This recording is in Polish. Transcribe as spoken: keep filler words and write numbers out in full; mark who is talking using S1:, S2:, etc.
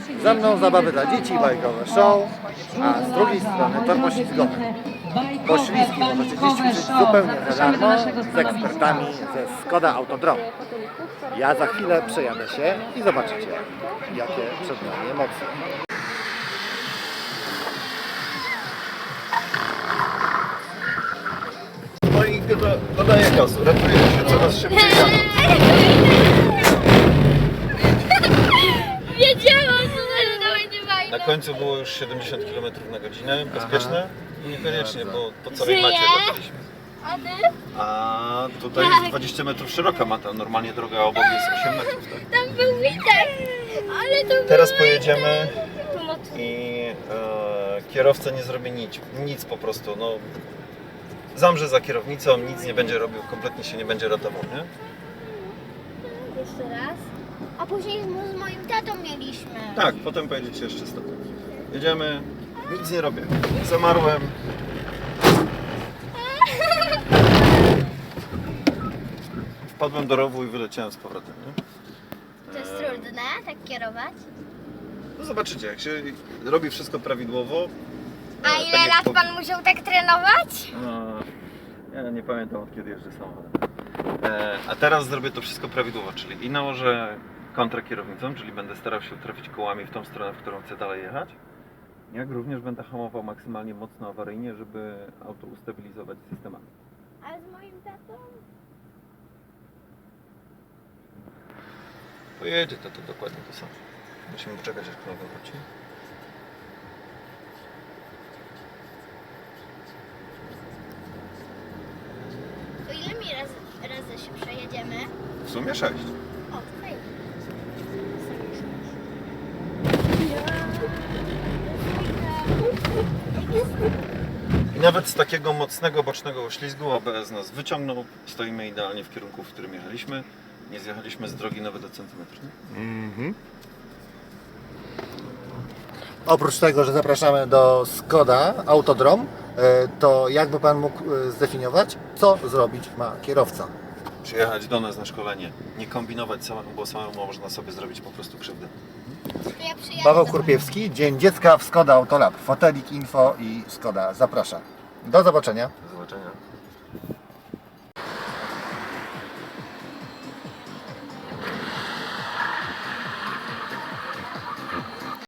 S1: Za mną zabawy dla dzieci, bajkowe show, a z drugiej strony tor poślizgowy. Poślizgi możecie dziś ćwiczyć zupełnie za darmo z ekspertami ze Skoda Autodrom. Ja za chwilę przejadę się i zobaczycie, jakie przed nami emocje.
S2: No i dodaję gazu, ratuje się coraz szybciej jadąc.
S3: Wiedziałam, że to będzie fajne.
S2: Na końcu było już siedemdziesiąt kilometrów na godzinę, bezpieczne? Niekoniecznie, bo po całej
S3: Żyje?
S2: macie dotarliśmy.
S3: A ty?
S2: A tutaj jest dwadzieścia metrów szeroka mata, normalnie droga obok jest osiem metrów. Tak?
S3: Tam był Witek, ale to
S2: Teraz
S3: był...
S2: pojedziemy
S3: Pomocy.
S2: i e, kierowca nie zrobi nic, nic po prostu. No, zamrze za kierownicą, nic nie będzie robił, kompletnie się nie będzie ratował, nie?
S3: Jeszcze raz. A później z, z moim tatą mieliśmy.
S2: Tak, potem pojedziecie jeszcze z tatą. Jedziemy, nic nie robię. Zamarłem. Wpadłem do rowu i wyleciałem z powrotem, nie?
S3: To jest trudne, tak kierować?
S2: No zobaczycie, jak się robi wszystko prawidłowo.
S3: A
S2: e,
S3: ile
S2: tak jak
S3: lat
S2: po-
S3: pan musiał tak trenować?
S2: A, ja nie pamiętam, od kiedy jeżdżę samochodem. E, a teraz zrobię to wszystko prawidłowo, czyli i nałożę kontrakierownicą, czyli będę starał się trafić kołami w tą stronę, w którą chcę dalej jechać. Jak również będę hamował maksymalnie mocno awaryjnie, żeby auto ustabilizować systemami.
S3: A z moim tatą?
S2: Pojedzie to, to dokładnie to samo. Musimy poczekać, aż kolega wróci.
S3: To ile mi razy, razy się przejedziemy?
S2: W sumie sześć.
S3: O, fajnie.
S2: I nawet z takiego mocnego bocznego oślizgu A B S nas wyciągnął. Stoimy idealnie w kierunku, w którym jechaliśmy. Nie zjechaliśmy z drogi nawet do centymetru.
S1: Mhm. Oprócz tego, że zapraszamy do Skoda Autodrom, e, to jakby Pan mógł e, zdefiniować, co zrobić ma kierowca?
S2: Przyjechać do nas na szkolenie, nie kombinować samemu, bo samemu można sobie zrobić po prostu krzywdę.
S3: To ja przyjadę
S1: Paweł
S3: do
S1: Kurpiewski, Dzień Dziecka w Skoda Autolab. Fotelik Info i Skoda zaprasza. Do zobaczenia.
S2: Do zobaczenia.